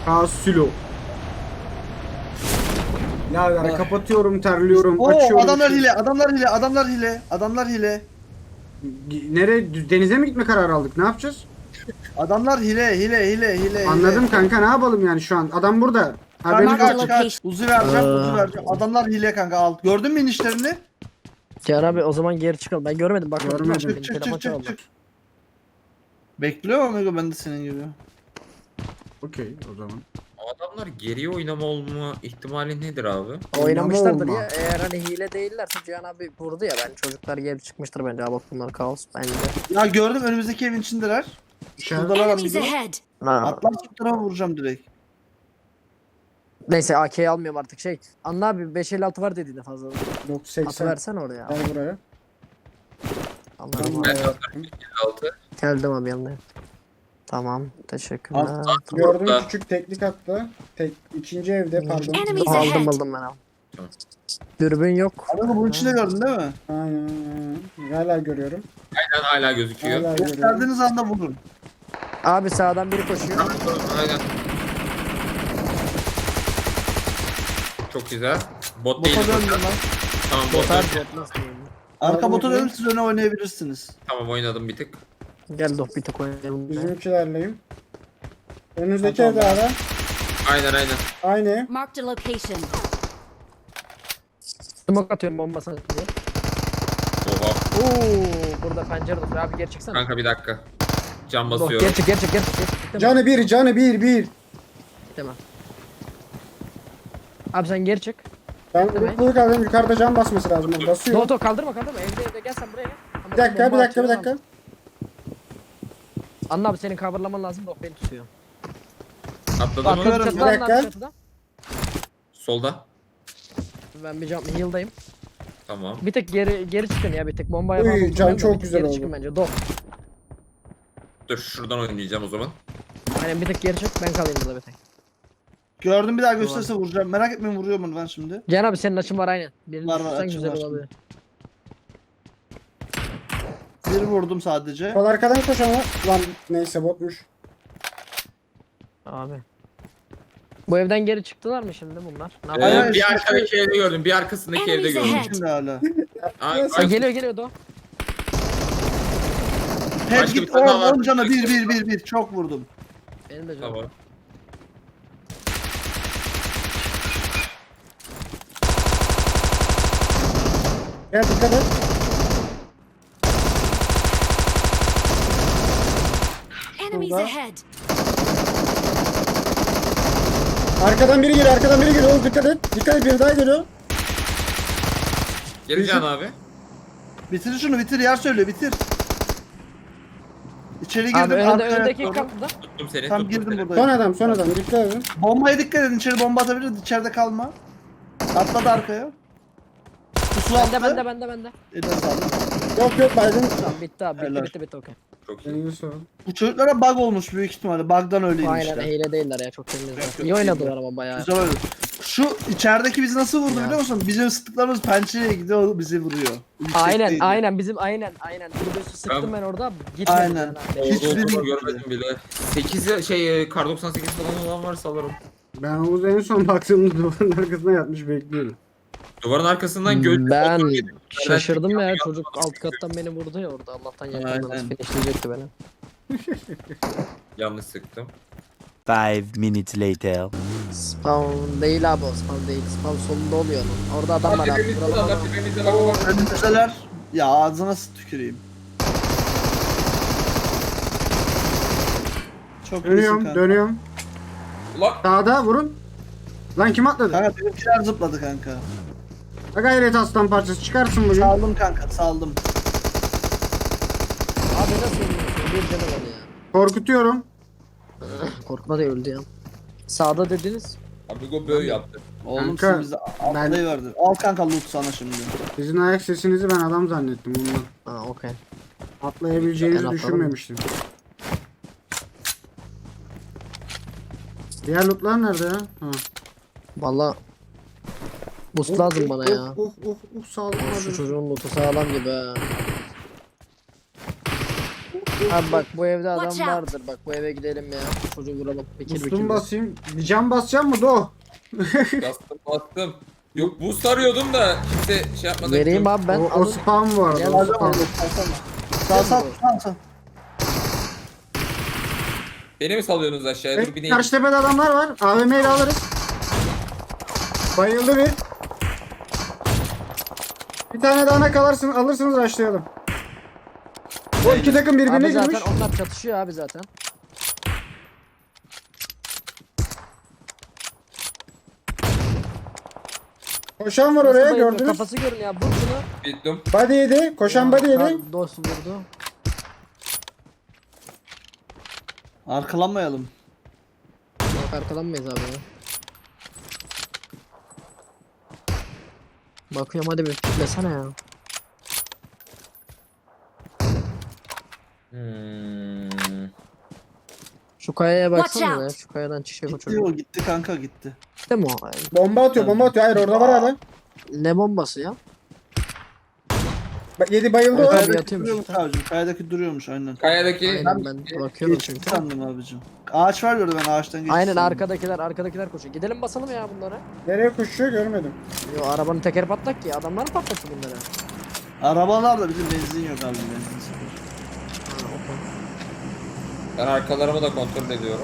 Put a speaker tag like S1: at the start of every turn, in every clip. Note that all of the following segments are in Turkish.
S1: Kasilo. Birader kapatıyorum, terliyorum,
S2: Oo,
S1: açıyorum.
S2: adamlar hile, adamlar hile, adamlar hile, adamlar hile.
S1: Nereye? Denize mi gitme kararı aldık? Ne yapacağız?
S2: Adamlar hile.
S1: Anladım kanka, ne yapalım yani şu an? Adam burada. Haberiniz
S2: Kanka
S1: olsun.
S2: kaç. Uzi vereceğim. Adamlar hile kanka al. Gördün mü inişlerini?
S3: Cihan abi o zaman geri çıkalım. Ben görmedim bak.
S1: Görmedim.
S3: Benim telefon çaldı.
S2: Bekliyor amigo ben de senin gibi.
S1: Okey o zaman.
S4: Adamlar geriye oynama olma ihtimali nedir abi?
S3: Oynamışlardır
S1: olma.
S3: ya. Eğer hani hile değillerse Cihan abi vurdu ya. Ben çocuklar geri çıkmıştır bence. Bak bunlar kaos bence.
S2: Ya gördüm önümüzdeki evin içindeler.
S1: İşaret.
S2: Şuradalar
S5: Enemies
S2: amigo.
S5: ahead!
S3: Ha.
S2: Atlar tarafa vuracağım direkt.
S3: Neyse AK'yi almıyorum artık şey. Anla abi 556 var dediğinde fazla. Atı
S1: 980.
S3: versene oraya.
S1: Gel buraya.
S3: Anladım
S1: Ben
S3: abi.
S1: de-
S4: Altı.
S3: Geldim abi yanına. Tamam teşekkürler.
S1: Gördüm,
S4: Burada.
S1: küçük teknik attı. İkinci evde pardon.
S5: Enemies
S3: Aldım
S5: ahead!
S3: aldım ben al.
S4: Tamam.
S3: Dürbün yok.
S2: Amigo bunun içinde gördün değil mi?
S1: Aynen. Hala görüyorum.
S4: Aynen hala gözüküyor.
S1: Hala görüyorum.
S2: Gösterdiğiniz anda vurun.
S3: Abi sağdan biri koşuyor.
S4: Aynen. Çok güzel. Bot değil.
S2: Bota döndüm lan.
S4: Tamam bot
S3: Botar
S4: döndü.
S3: bot nasıl diyeyim?
S2: Arka bota
S1: Pardon.
S2: dönüp siz öne oynayabilirsiniz.
S4: Tamam oynadım bir tık.
S3: Gel doh bir tek oynayalım.
S1: Bizimkilerleyim. Önünüzdeki
S2: Tamam.
S1: evde abi.
S4: Aynen.
S1: Aynı ev.
S5: Marked a location.
S3: Smoke atıyorum bombasını diye.
S4: Oha.
S3: Oo, burada pencere dur. Abi geri çıksana.
S4: Kanka bir dakika. Cam
S3: Doh,
S4: basıyorum.
S3: geri çık. Bitti
S1: Canı bir, canı bir.
S3: mi? Abi sen geri çık.
S1: Ben
S3: Bitti mi?
S1: umutluluk aldım, yukarıda can basması lazım. Basıyor.
S3: Doh kaldırma. Evde gel sen buraya gel. Ama
S1: Bir dakika,
S3: bomba
S1: bir
S3: atıyor
S1: dakika.
S3: adam. Anla abi senin coverlaman lazım. Doh beni tutuyor.
S4: Atladı
S3: Bak
S4: mı?
S2: Bakıyorum,
S3: çatıda
S1: bir
S3: anla
S1: dakika.
S3: abi çatıda.
S4: Solda.
S3: Ben bir jump heal'dayım.
S4: Tamam.
S3: Bir tek geri çıkın ya bir tek bomba
S1: Uy,
S3: yapan.
S1: can çok güzel
S3: geri
S1: oldu.
S3: çıkın bence. Doh.
S4: Dur şuradan oynayacağım o zaman.
S3: Aynen bir tek geri çık ben kalayım burada bir tek.
S2: Gördüm bir daha gösterse vuracağım. Merak etmeyin vuruyor mu ben şimdi?
S3: Cihan abi senin açın var aynen. Birini
S2: Var,
S3: düşürsen
S2: açım
S3: güzel
S2: var.
S3: olabilir.
S2: Bir vurdum sadece.
S1: Sol arkadan koşan var. Lan neyse botmuş.
S3: Abi. Bu evden geri çıktılar mı şimdi bunlar? Ne
S4: Ee,
S3: yapıyor?
S2: Aynen,
S4: bir
S2: işte
S4: arkadaki evde gördüm. Bir arkasındaki evde
S5: Enemies
S4: gördüm.
S5: ahead.
S2: Şimdi hala.
S4: Ay,
S3: Ha, geliyor Doh.
S2: Head
S4: Başka bir
S2: git
S4: tane daha var.
S2: 10 cana 1 çok vurdum.
S3: Benim de canım.
S4: Tamam.
S1: Gel dikkat et.
S5: Enemies
S1: Şurada.
S5: ahead!
S1: Arkadan biri geliyor. Oğlum dikkat et. Dikkat et, biri daha geliyor.
S4: Geleceğim abi.
S2: Bitir şunu bitir yer söyle bitir. İçeri
S3: Abi
S2: girdim arkaya
S3: önündeki
S2: doğru.
S3: kapıda.
S4: Tuttum seni.
S2: Tam
S4: tuttum
S2: girdim
S4: seni.
S2: buradayım.
S1: Son adam. Dikkat edin.
S2: Bombaya dikkat edin içeri bomba atabilir içeride kalma. Atladı arkaya. Pusu attı.
S3: Bende.
S2: Eline sağlık.
S1: Yok Biden.
S3: Tamam bitti abi
S2: Helal.
S3: bitti okey.
S4: Çok iyi.
S1: Elini sağ.
S2: Bu çocuklara bug olmuş büyük ihtimalle. Bug'dan öyle
S3: Aynen
S2: inmişler.
S3: hile değiller ya çok temizler.
S2: Yok,
S3: İyi oynadılar
S2: değiller.
S3: ama bayağı.
S2: Güzel öyle. Şu içerideki bizi nasıl vurdu
S3: Ya.
S2: biliyor musun? Bizim sıktıklarımız pençeye gidiyor o bizi vuruyor. Yüksekteydi.
S3: Aynen bizim aynen. Tribüsü sıktım ben orada gitmedi.
S2: Aynen.
S3: Yani.
S2: Hiç
S4: Hiç
S2: bilmiyorum.
S4: görmedim bile. 8 kar 98 falan olan varsa alırım.
S1: Ben Oğuz en son baktığımda duvarın arkasına yatmış bekliyorum.
S4: Duvarın arkasından göz.
S3: Ben
S4: Otur yedim.
S3: şaşırdım ya çocuk alt kattan beni vurdu ya orada Allah'tan yakından
S2: Aynen.
S3: finishleyecekti beni.
S4: Yanlış sıktım.
S6: 5 minutes later.
S3: Spawn değil abi o spawn değil. Spawn solunda oluyor onun. Orada adam var abi. Vuralım adamı.
S2: Önümüzdeler. Ya ağzına nasıl tüküreyim. Çok iyisin kanka.
S1: Dönüyorum.
S4: Ulan.
S1: Sağda vurun. Lan kim atladı?
S2: Kanka benimkiler zıpladı kanka.
S1: Ha gayret aslan parçası çıkarsın bugün.
S2: Saldım kanka saldım.
S3: Abi nasıl ölüyorsun? Bir canı var ya.
S1: Korkutuyorum.
S3: Korkma da öldü ya. Sağda dediniz.
S4: Amigo böyle yaptı.
S2: Oğlum
S1: Kanka,
S2: sen bize atlayıverdin. Al kanka loot sana şimdi.
S1: Sizin ayak sesinizi ben adam zannettim bundan.
S3: Ha okey.
S1: Atlayabileceğinizi
S3: Ben atladım.
S1: düşünmemiştim. Diğer lootlar nerede ya? Ha.
S3: Valla boost lazım bana ya.
S1: Sağlam
S3: Şu
S1: abi.
S3: çocuğun lootu sağlam gibi ha. Abi bak bu evde adam
S5: Watch out.
S3: vardır. Bak bu eve gidelim ya. Çocuğu vuralım. Bekir
S1: Boost'umu basayım. Bir can basacağım mı Do?
S4: Bastım. Yok boost arıyordum da kimse şey yapmadı.
S3: Vereyim abi ben.
S1: O
S3: alın.
S1: spam var.
S3: Gel
S1: O
S3: abi.
S1: spam.
S2: Sal.
S4: Beni mi salıyorsunuz aşağıya? Dur bineyim.
S1: Karşı tepede adamlar var. AVM ile alırız. Bayıldı bir. Bir tane daha alırsınız başlayalım. O iki takım birbirine
S3: Abi zaten
S1: girmiş.
S3: onlar çatışıyor abi zaten.
S1: Koşan var
S3: Nasıl
S1: oraya
S3: bayılıyor?
S1: gördünüz.
S3: Kafası görün ya. Vur şunu.
S4: Bittim.
S1: Body yedi. Koşan body yedi.
S3: Dost vurdu.
S2: Arkalanmayalım.
S3: Yok arkalanmayız abi ya. Bakıyorum hadi bir kitlesene ya. Şu kayaya baksana
S5: Watch
S3: ya.
S5: out.
S3: Şu kayadan çıkacak o
S2: Gitti
S3: çocuk.
S2: o gitti kanka gitti.
S3: Gitti mi o?
S1: Bomba atıyor. Hayır orada var hala.
S3: Ne bombası ya?
S1: Bak, yedi bayıldı
S3: Evet,
S1: o.
S3: abi.
S2: Kayadaki
S3: yatıyormuş
S2: duruyormuş
S3: işte.
S2: abicim. Kayadaki duruyormuş aynen.
S4: Kayadaki
S3: Aynen ben bakıyorum
S2: Geçti
S3: çünkü.
S2: sandım abicim. Ağaç var gördüm ben ağaçtan geçti.
S3: Aynen
S2: sandım.
S3: arkadakiler koşuyor. Gidelim basalım ya bunlara.
S1: Nereye koşuyor görmedim.
S3: Yo arabanın tekeri patlak ki adamlar mı patlattı bunları?
S2: Arabalarda bizim benzin yok abi benzin.
S3: Ha, okey.
S4: ben arkalarımı da kontrol ediyorum.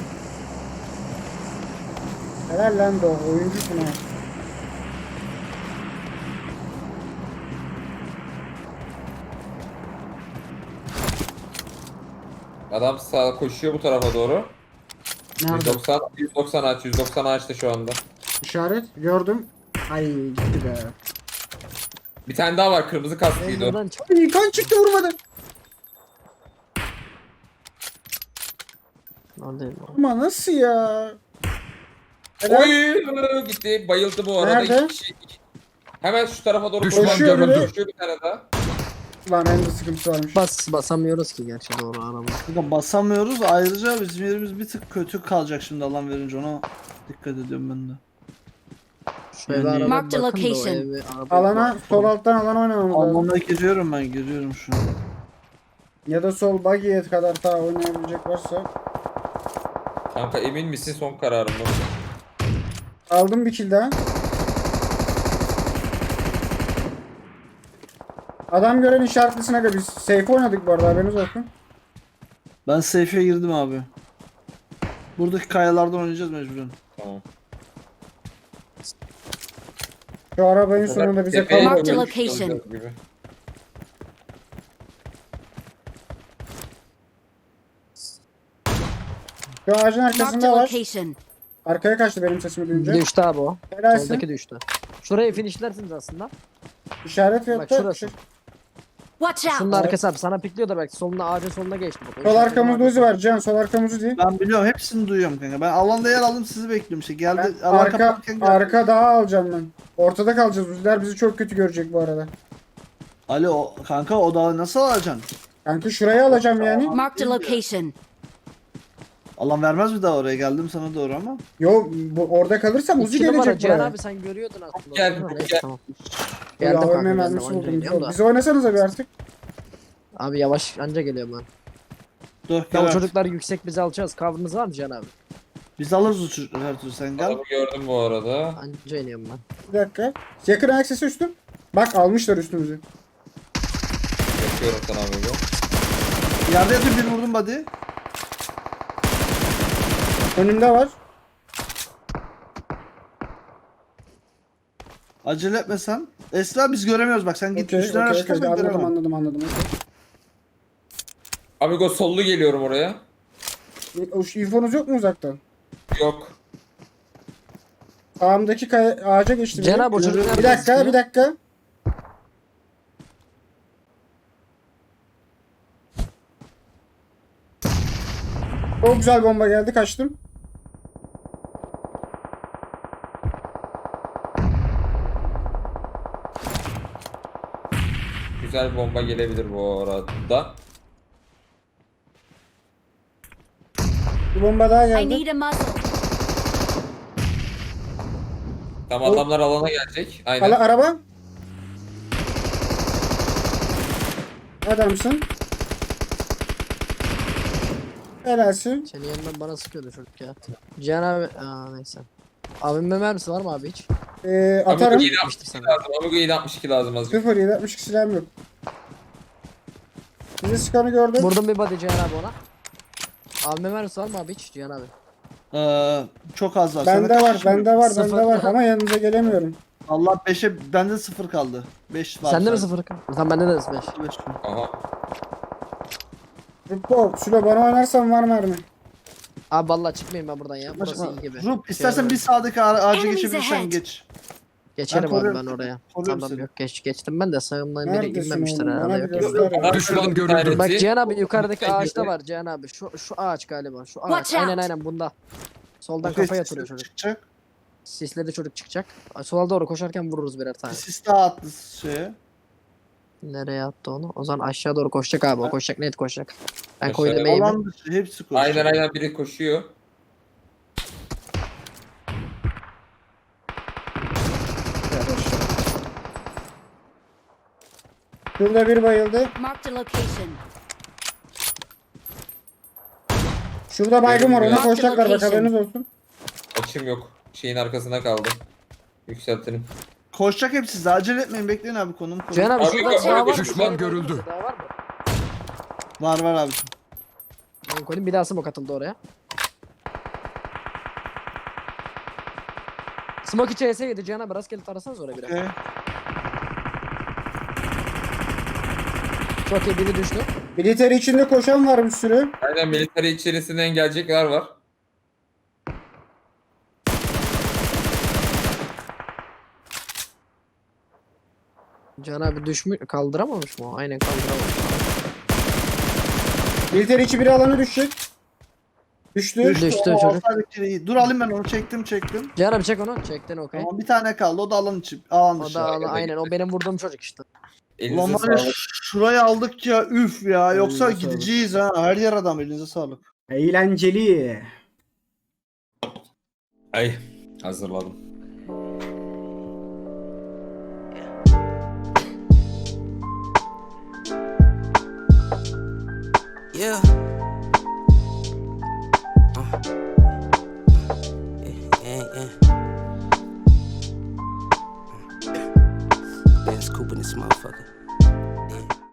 S1: Helal lan Do. Oyuncusun ha.
S4: Adam sağ koşuyor bu tarafa doğru.
S1: Nerede?
S4: 190 ağaç, 190 ağaçta şu anda.
S1: İşaret gördüm. Ay gitti be.
S4: Bir tane daha var kırmızı
S3: Ben
S4: kasklıydı o.
S3: buradan çık.
S1: Ay kan çıktı vurmadı.
S3: Neredeyim lan?
S1: Ama nasıl ya? Helal.
S4: Oy gitti bayıldı bu arada.
S1: Nerede?
S4: İki kişi. Hemen şu tarafa doğru
S1: Düşman
S4: koşuyor.
S1: görüldü.
S4: Koşuyor bir tane daha.
S1: Lan en de sıkıntısı varmış.
S3: Basamıyoruz ki gerçi doğru araba.
S2: Kanka basamıyoruz ayrıca bizim yerimiz bir tık kötü kalacak şimdi alan verince ona dikkat ediyorum ben de.
S3: Şu eve
S2: Yani-
S3: araba
S5: Mark the
S3: bakın da o
S5: location.
S3: evi araba
S1: Alana sol alttan alana oynamamız lazım.
S2: Almana giriyorum ben giriyorum şu an.
S1: Ya da sol buggy'ye kadar daha oynayabilecek varsa.
S4: Kanka emin misin son kararın mı?
S1: Aldım bir kill daha. Adam gören işaretlisine göre biz safe oynadık bu arada haberiniz olsun.
S2: Ben safe'e girdim abi. Buradaki kayalardan oynayacağız mecburen.
S4: Tamam.
S1: Şu arabanın sonunda bize
S4: Tepeye
S1: kalmadı.
S5: Mark the
S4: doğru
S5: location.
S4: çıkacağız gibi.
S1: Şu ağacın
S5: Marked
S1: arkasında
S5: a
S1: var.
S5: location.
S1: Arkaya kaçtı benim sesimi duyunca.
S3: Düştü abi o.
S1: Helalsin.
S3: Soldaki düştü. Şurayı finishlersiniz aslında.
S1: İşaret yok
S3: Bak
S1: da.
S3: şurası.
S5: Watch
S3: Şunun
S5: out.
S3: arkası abi sana pikliyordur belki solunda ağacın soluna geçti. Bak, o
S1: Sol
S3: işaretin
S1: arkamızda
S3: arkası.
S1: Uzi var Can. Sol arkamızda değil.
S2: Ben biliyorum hepsini duyuyorum kanka. Ben alanda yer aldım sizi bekliyorum işte. Geldi
S1: Ben
S2: alan
S1: arka,
S2: kapatırken geldi.
S1: arka daha alacağım ben. Ortada kalacağız. Uziler bizi çok kötü görecek bu arada.
S2: Ali o kanka o dağı nasıl alacaksın?
S1: Kanka şurayı alacağım yani.
S5: Marked a location.
S2: Alan vermez mi daha oraya geldim sana doğru ama.
S1: Yo orada kalırsam Uzi
S3: İki numara
S1: gelecek
S3: Cihan
S1: buraya.
S3: abi sen görüyordun aslında.
S4: Gel,
S3: Değil mi? Neyse,
S4: gel.
S3: tamam.
S1: Ya
S3: Geldim kanka
S1: AVM
S3: ben de
S1: mermisi
S3: anca
S1: buldum.
S3: iniyorum da.
S1: Bizi oynasanıza bir artık.
S3: Abi yavaş anca geliyorum ben.
S2: Dur
S3: Ya
S2: gel
S3: o
S2: artık.
S3: çocuklar yüksek biz alacağız. Cover'ınız var mı Cihan abi?
S2: Biz alırız o çocukları her türlü sen gel.
S4: Adamı gördüm bu arada.
S3: Anca iniyorum ben.
S1: Bir dakika. Yakın ayak sesi üstüm. Bak almışlar üstümüzü.
S4: Bakıyorum sana abi bu.
S2: Yerde yatıyor bir vurdum body.
S1: Önümde var.
S2: Acele etme sen. Esra biz göremiyoruz bak sen git
S1: Okey,
S2: üstüne
S1: okey,
S2: araştır
S1: okey.
S2: ben göremem.
S1: Anladım. Okay.
S4: Amigo sollu geliyorum oraya.
S1: İnfonuz yok mu uzaktan?
S4: Yok.
S1: Sağımdaki ağaca geçti.
S3: Cihan
S1: biri.
S3: abi o çocuk
S1: Bir
S3: nereden
S1: dakika,
S3: sıkıyor?
S1: bir dakika. Çok güzel bomba geldi, kaçtım.
S4: Güzel bomba gelebilir bu arada.
S1: Bir bomba daha
S5: I
S1: geldi.
S5: need a muzzle.
S4: Tamam adamlar alana gelecek. Aynen.
S1: Araba. Adamsın. Helalsin.
S3: Senin yanından bana sıkıyordu çocuk ya. Cihan abi, neyse. Abimin mermisi var mı abi hiç?
S1: Atarım.
S4: Amigo 762 lazım. Amigo 762 lazım azıcık.
S1: 0-7-62 silahım yok. Bizi sıkanı gördüm.
S3: Vurdum bir body Cihan abi ona. Abimin mermisi var mı abi hiç Cihan abi?
S2: Çok az var.
S1: Bende
S2: Sana
S1: var,
S2: kaç kişi
S1: bende var,
S3: Sıfır.
S1: bende var ama yanınıza gelemiyorum.
S2: Allah 5'e bende 0 kaldı. 5 var.
S3: Sende mi
S2: sadece.
S3: 0 kal? Tamam bende de 5.
S2: Beş var.
S4: Aha.
S1: Rupo, Sülo bana oynarsan var mermi.
S3: Abi vallahi çıkmayayım ben buradan ya. Burası iyi gibi.
S2: Rup istersen
S3: Şey
S2: bir sağdaki ağacı
S5: Enemies
S2: geçebilirsen
S5: ahead.
S2: geç.
S3: Geçerim
S2: Ben
S3: abi
S2: koruyorum
S3: ben
S2: seni.
S3: oraya.
S2: Koruyorum
S3: Tamam
S2: seni.
S3: yok geçtim ben de sağımdan biri
S1: Neredesin
S3: inmemiştir
S1: oğlum?
S3: herhalde.
S1: Bana
S3: Yok,
S1: bir
S3: yok.
S1: göster.
S4: Aha,
S7: Düşman
S4: şurada bir
S7: görüldü.
S4: tanesi.
S3: Bak Cihan abi yukarıdaki
S4: Lütfen
S3: ağaçta
S4: girdi.
S3: var Cihan abi. Şu ağaç galiba. Şu ağaç.
S5: Watch out.
S3: Aynen bunda. Soldan
S2: Okey,
S3: kafaya
S2: sis
S3: yatırıyor çocuk.
S2: çıkacak.
S3: Sisledi çocuk çıkacak. Sola doğru koşarken vururuz birer tane.
S2: Sis daha attı şeye.
S3: Nereye attı onu? O zaman aşağı doğru koşacak abi. O koşacak net koşacak. Ben
S4: Aşağıya
S3: koydum eğimi.
S2: Alan dışı hepsi koşuyor.
S4: Aynen biri koşuyor.
S1: Şurada bir bayıldı.
S5: Marked a location.
S1: Şurada baygın var, ona
S5: Marked
S1: koşacaklar bak,
S5: location.
S1: haberiniz olsun.
S4: Açım yok. Şeyin arkasına kaldı. Yükseltelim.
S2: Koşacak hepsi size. Acele etmeyin, bekleyin abi konum.
S3: Cihan abi
S4: Abi,
S3: şurada
S4: abi,
S3: daha var mı?
S7: düşman
S3: Şurada
S7: görüldü.
S3: daha var mı?
S2: Var abi.
S3: Ben koydum bir daha smoke atıldı oraya. Smoke içi ES yedi Cihan abi rastgele tarasanız oraya biraz.
S2: Okay.
S3: Çok iyi biri düştü.
S1: Militer içinde koşan var bir sürü.
S4: Aynen military içerisinden gelecekler var.
S3: Cihan abi düşmüş kaldıramamış mı? o? Aynen kaldıramamış.
S1: Militer içi bir alana düşecek. Düştü.
S3: Düştü
S2: O
S3: çocuk.
S2: alttaki iyi. Dur alayım ben onu, çektim.
S3: Cihan abi çek onu. Çektin okey.
S2: Tamam, bir tane kaldı, o da alan içi. Alan
S3: O
S2: dışı.
S3: da
S4: Aşağıya
S3: aynen o benim vurduğum çocuk işte.
S4: Elinize
S2: Ulan var ya,
S4: sağlık.
S2: şurayı aldık ya, üf ya. Yoksa
S1: Elinize sağlık.
S2: gideceğiz ha. Her yer adam, elinize sağlık.
S1: Eğlenceli.
S4: Ay hazırladım.
S8: Yeah. Yeah. Ben's Coupe in this motherfucker.